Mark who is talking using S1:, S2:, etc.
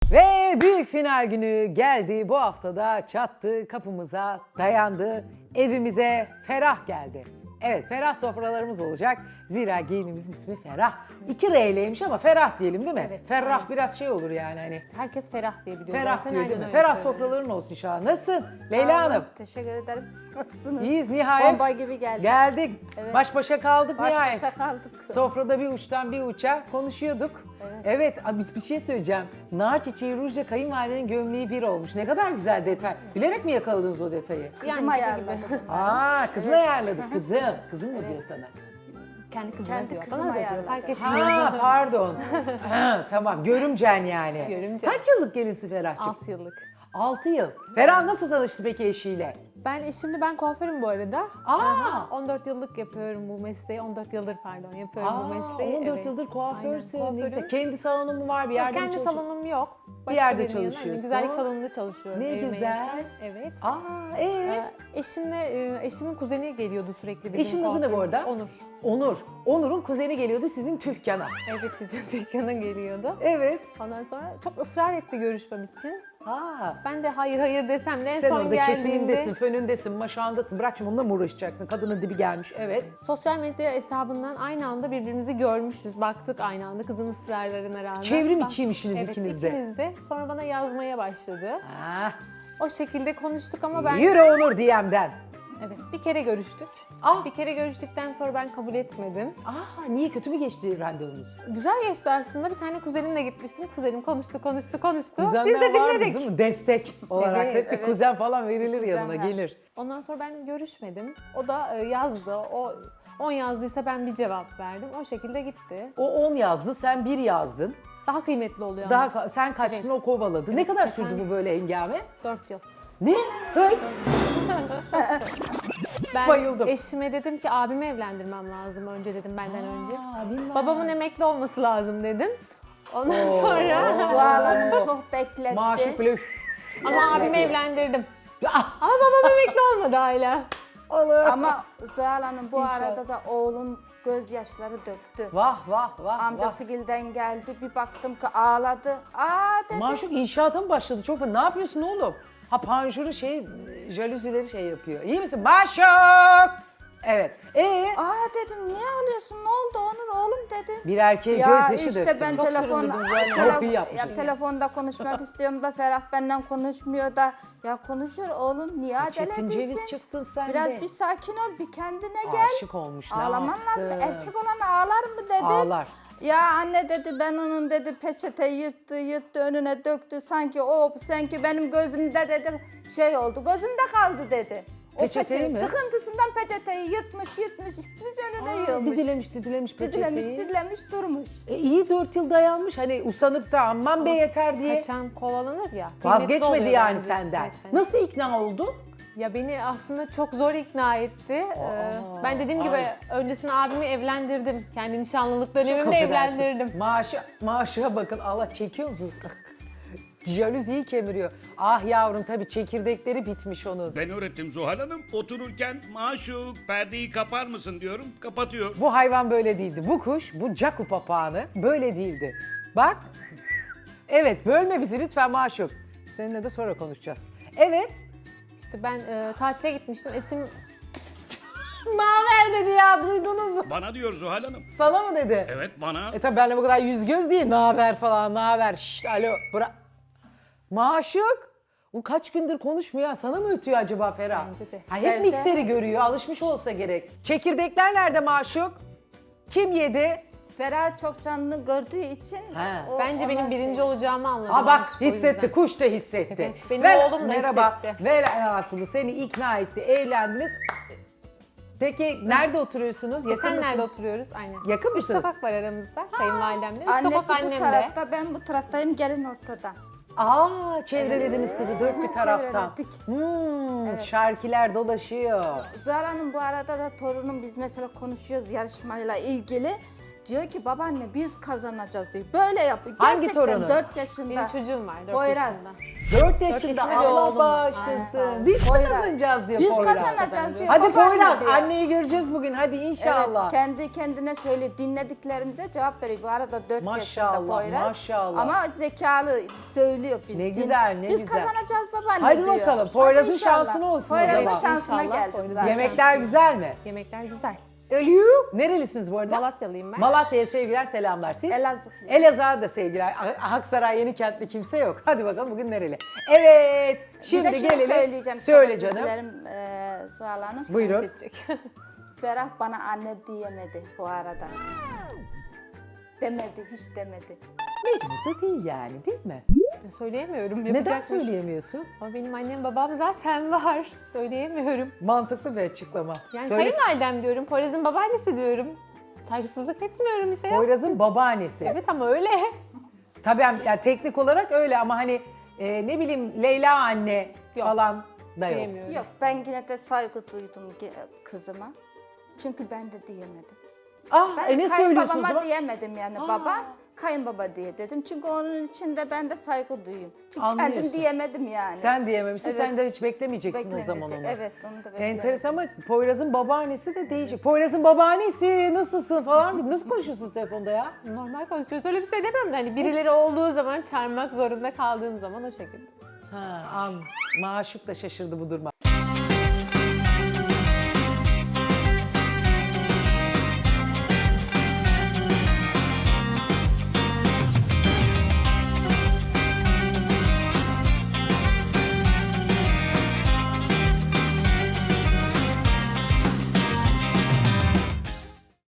S1: Ve büyük final günü geldi. Bu haftada çattı, kapımıza dayandı, evimize Ferah geldi. Evet, Ferah sofralarımız olacak. Zira gelinimizin ismi Ferah. 2 R'leymiş ama Ferah diyelim değil mi?
S2: Evet.
S1: Ferah biraz şey olur yani hani.
S2: Herkes Ferah diye biliyor.
S1: Ferah
S2: zaten,
S1: diyor değil
S2: aynen
S1: mi?
S2: öyle
S1: Ferah
S2: söylüyorum.
S1: sofraların olsun inşallah. Nasılsın
S3: Sağ
S1: Leyla
S3: olun,
S1: Hanım?
S3: teşekkür ederim. Siz nasılsınız?
S1: İyiyiz nihayet.
S3: Bomba gibi geldik.
S1: Geldik.
S3: Evet.
S1: Baş başa kaldık
S3: Baş
S1: nihayet.
S3: başa kaldık.
S1: Sofrada bir uçtan bir uça konuşuyorduk. Evet, abi bir şey söyleyeceğim. Nar çiçeği rujla kayınvalidenin gömleği bir olmuş. Ne kadar güzel detay. Bilerek mi yakaladınız o detayı?
S3: Kızım
S2: Yani
S3: ayarladı.
S1: Aa, kızın ayarladı. Kızım. Kızım mı diyor sana?
S2: Kendi kızına
S3: Kendi
S2: diyor.
S3: kızım
S2: Bana da diyor.
S3: ayarladı.
S2: Fark etmiyor.
S1: Ha, pardon. Ha, tamam, görümcen yani.
S2: Görümcen.
S1: Kaç yıllık gelinsi Ferah'cığım?
S2: 6 yıllık.
S1: 6 yıl. Ferah nasıl tanıştı peki eşiyle?
S2: Ben kuaförüm bu arada.
S1: Aa!
S2: Aha, 14 yıllık yapıyorum bu mesleği. 14 yıldır pardon yapıyorum bu mesleği.
S1: 14
S2: Evet.
S1: yıldır kuaförsün.
S2: Aynen,
S1: Ne güzel.
S2: kuaförüm.
S1: Kendi salonun mu var bir yerde mi
S2: Kendi
S1: çalışıyorsun?
S2: salonum yok.
S1: Bir yerde
S2: birinin yanında,
S1: çalışıyorsun.
S2: Güzellik salonunda çalışıyorum.
S1: Ne
S2: evime
S1: güzel.
S2: yakın. Evet.
S1: Aa,
S2: Eşimin kuzeni geliyordu sürekli bizim
S1: Eşinin adı ne bu
S2: kuaförümüze.
S1: arada?
S2: Onur.
S1: Onur. Onur'un kuzeni geliyordu sizin dükkana.
S2: Evet bizim dükkana geliyordu.
S1: Evet.
S2: Ondan sonra çok ısrar etti görüşmem için.
S1: Ha.
S2: Ben de hayır desem de en
S1: Sen
S2: son
S1: orada
S2: geldiğinde
S1: kesimindesin, fönündesin, maşağındasın. Bırak şimdi onunla mı uğraşacaksın? Kadının dibi gelmiş. Evet.
S2: sosyal medya hesabından aynı anda birbirimizi görmüşüz. Baktık aynı anda kızın ısrarlarına rağmen.
S1: Çevrim
S2: Ben-
S1: içiymişsiniz
S2: evet,
S1: ikiniz de.
S2: ikimiz de. Sonra bana yazmaya başladı.
S1: Ha.
S2: O şekilde konuştuk ama ben...
S1: Yürü Onur DM'den.
S2: Evet, bir kere görüştük.
S1: Ah.
S2: Bir kere görüştükten sonra ben kabul etmedim.
S1: Aa, niye kötü mü geçti randevunuz?
S2: Güzel geçti aslında. Bir tane kuzenimle gitmiştim. Kuzenim konuştu.
S1: Kuzenler
S2: Biz de
S1: vardı
S2: dinledik.
S1: değil mi? Destek olarak.
S2: Evet,
S1: Hep bir
S2: evet.
S1: kuzen falan verilir yanına,
S3: Kuzenler.
S1: gelir.
S2: Ondan sonra ben görüşmedim. O da yazdı. O 10 yazdıysa ben bir cevap verdim. O şekilde gitti.
S1: O 10 yazdı, sen 1 yazdın.
S2: Daha kıymetli oluyor ama.
S1: Sen kaçtın,
S2: Evet.
S1: o kovaladı. Ne kadar
S2: geçen-
S1: sürdü bu böyle hengame?
S2: 4 yıl.
S1: Ne? Hey.
S2: Ben
S1: Bayıldım.
S2: eşime dedim ki abimi evlendirmem lazım önce dedim benden önce.
S1: bilmem.
S2: Babamın emekli olması lazım dedim. Ondan sonra
S3: Zuhal Hanım çok bekletti.
S1: Maaşı böyle
S2: ama abimi evlendirdim.
S1: Ah,
S2: Ama babam emekli olmadı hala.
S1: Allah.
S3: Ama Zuhal Hanım bu
S1: İnşallah.
S3: arada da oğlum gözyaşları döktü.
S1: Vah vah vah.
S3: Amcası Gil'den geldi, bir baktım ki ağladı. Aa dedi.
S1: Maşuk inşaata mı başladı? Çok ne yapıyorsun oğlum? Ha panjuru jaluzileri yapıyor. İyi misin? Maşuk! Evet.
S3: Aa dedim niye ağlıyorsun, ne oldu Onur oğlum dedim.
S1: Bir erkeğe
S3: Ya
S1: gözyaşı
S3: işte
S1: döktün.
S3: ben
S1: Çok
S3: telefonda
S1: süründürdün. Çok iyi yapmışsın.
S3: telefonda konuşmak istiyorum da Ferah benden konuşmuyor da. Ya konuşur oğlum, niye acele
S1: Çetin ceviz
S3: ediyorsun?
S1: çıktın sen
S3: Biraz
S1: de.
S3: bir sakin ol, bir kendine gel.
S1: Aşık olmuş. Ne
S3: Ağlaman
S1: yapsın?
S3: lazım. Erkek olan ağlar mı dedim.
S1: Ağlar.
S3: Ya anne dedi, ben onun dedi peçeteyi yırttı önüne döktü. Sanki benim gözümde dedi şey oldu, gözümde kaldı dedi. O
S1: Peçeteyi mi?
S3: Sıkıntısından peçeteyi yırtmış önüne yığılmış.
S1: Didilemiş peçeteyi.
S3: Didilemiş durmuş.
S1: İyi 4 yıl dayanmış. Hani usanıp da aman be yeter diye.
S2: Kaçan kovalanır ya. kıymetli
S1: Vazgeçmedi
S2: oluyor
S1: yani
S2: bence.
S1: senden.
S2: Evet, evet.
S1: Nasıl ikna oldu?
S2: Ya beni aslında çok zor ikna etti. Ben dediğim gibi öncesinde abimi evlendirdim. Kendi nişanlılık dönemimde
S1: Affedersin.
S2: evlendirdim.
S1: Maaşa bakın. Allah çekiyor musun? Jaluziyi kemiriyor. Ah yavrum tabii çekirdekleri bitmiş onun.
S4: Ben öğrettim Zuhal Hanım. Otururken maşuk perdeyi kapar mısın diyorum. Kapatıyor.
S1: Bu hayvan böyle değildi. Bu kuş, bu caku papağanı böyle değildi. Bak. Evet, bölme bizi lütfen Maşuk. Seninle de sonra konuşacağız. Evet.
S2: İşte ben tatile gitmiştim. Esim
S1: Naber dedi ya, duydunuz mu?
S4: Bana diyor Zuhal Hanım.
S1: Sana mı dedi?
S4: Evet bana.
S1: Tabii benimle bu kadar yüz göz değil. Naber falan, naber. Şşt, alo. Maşuk. O kaç gündür konuşmuyor ya. Sana mı ötüyor acaba Ferah?
S2: Bence de.
S1: Ha, hep
S3: Sevde.
S1: mikseri görüyor. Alışmış olsa gerek. Çekirdekler nerede Maşuk? Kim yedi?
S3: Ferah çok canlı gördüğü için
S1: He.
S2: bence benim
S3: ona
S2: birinci
S3: şey-
S2: olacağımı anladı.
S1: Ha bak
S2: aşk o yüzden.
S1: hissetti, kuş da hissetti.
S2: Evet, benim oğlum da
S1: merhaba,
S2: hissetti.
S1: velhasılı seni ikna etti, evlendiniz. Peki nerede oturuyorsunuz? Yakın
S2: Sen
S1: mısın?
S2: nerede oturuyoruz? Aynen.
S1: Yakın
S2: Üç
S1: mısınız?
S2: sokak var aramızda. Kayınvalidemle. Üst
S3: Annesi
S2: sokak
S3: bu
S2: annemde.
S3: tarafta, ben bu taraftayım, gelin ortada.
S1: Aa, çevrelediniz kızı dört bir taraftan.
S3: Çevrelettik.
S1: Şarkiler dolaşıyor.
S3: Zuhal Hanım bu arada da torunum, biz mesela konuşuyoruz yarışmayla ilgili. Diyor ki babaanne biz kazanacağız diyor. Böyle yapıyor.
S1: Hangi
S3: Gerçekten
S1: torunun?
S3: 4 yaşında.
S2: Benim çocuğum var 4
S3: Poyraz.
S2: yaşında.
S1: 4 yaşında
S2: yaşında bir
S1: Allah
S2: oğlum var.
S1: bağışlasın.
S3: Aynen.
S1: Biz mi
S3: Poyraz.
S1: kazanacağız diyor
S3: Biz
S1: Poyraz.
S3: kazanacağız diyor.
S1: Hadi
S3: babaanne
S1: Poyraz
S3: diyor.
S1: anneyi göreceğiz bugün hadi inşallah.
S3: Evet, kendi kendine söyle dinlediklerimize cevap veriyor. Bu arada 4 yaşında
S1: Maşallah,
S3: Poyraz.
S1: maşallah.
S3: Ama zekalı söylüyor biz.
S1: Ne güzel, ne
S3: biz
S1: güzel.
S3: kazanacağız babaanne
S1: Hadi
S3: diyor.
S1: bakalım, Poyraz'ın
S3: Hadi inşallah.
S1: şansına olsun o
S3: Poyraz'ın
S1: zaman.
S3: şansına
S2: İnşallah
S3: geldi.
S2: Poyraz'ın
S1: Yemekler güzel mi?
S2: Yemekler güzel.
S1: Ölüyor. Nerelisiniz bu arada?
S2: Malatyalıyım ben.
S1: Malatya'ya sevgiler selamlar. Siz?
S3: Elazığ.
S1: Elazığ'a da sevgiler. Aksaray Yenikent'te kimse yok. Hadi bakalım bugün nereli? Evet. Şimdi
S3: bir de şunu
S1: gelelim.
S3: söyleyeceğim.
S1: Söyle
S3: çok özür
S1: canım.
S3: dilerim, Zuhal Hanım.
S1: Buyurun.
S2: Gidecek.
S3: Ferah bana anne diyemedi bu arada. Demedi, hiç demedi.
S1: Mecbur da değil yani değil mi?
S2: Söyleyemiyorum.
S1: Neden
S2: yapacak bir şey-
S1: söyleyemiyorsun?
S2: Ama benim annem babam zaten var. Söyleyemiyorum.
S1: Mantıklı bir açıklama.
S2: Yani
S1: Söyle-
S2: kayınvalidem diyorum. Poyraz'ın babaannesi diyorum. Saygısızlık etmiyorum bir şey.
S1: Poyraz'ın babaannesi.
S2: Evet ama öyle.
S1: Tabii yani teknik olarak öyle ama hani ne bileyim Leyla anne
S2: Yok.
S1: falan da yok.
S2: Diyemiyorum.
S3: Yok ben yine de saygı duydum kızıma. Çünkü ben de diyemedim.
S1: Ah
S3: Ben
S1: ne söylüyorsun o
S3: kayınbabama
S1: zaman?
S3: diyemedim yani baba. Kayınbaba diye dedim. Çünkü onun için de ben de saygı duyayım. Çünkü
S1: Anlıyorsun.
S3: kendim diyemedim yani.
S1: Sen diyememişsin,
S3: Evet.
S1: sen de hiç beklemeyeceksin o zaman
S3: Beklemeyecek.
S1: onu.
S3: Evet onu da beklemedim.
S1: Enteresan ama Poyraz'ın babaannesi de değişik. Poyraz'ın babaannesi nasılsın falan deyip nasıl konuşuyorsunuz telefonda ya?
S2: Normal konuşuyoruz. Öyle bir şey demiyorum da hani birileri olduğu zaman çağırmak zorunda kaldığım zaman o şekilde.
S1: Ha, maşuk da şaşırdı bu duruma.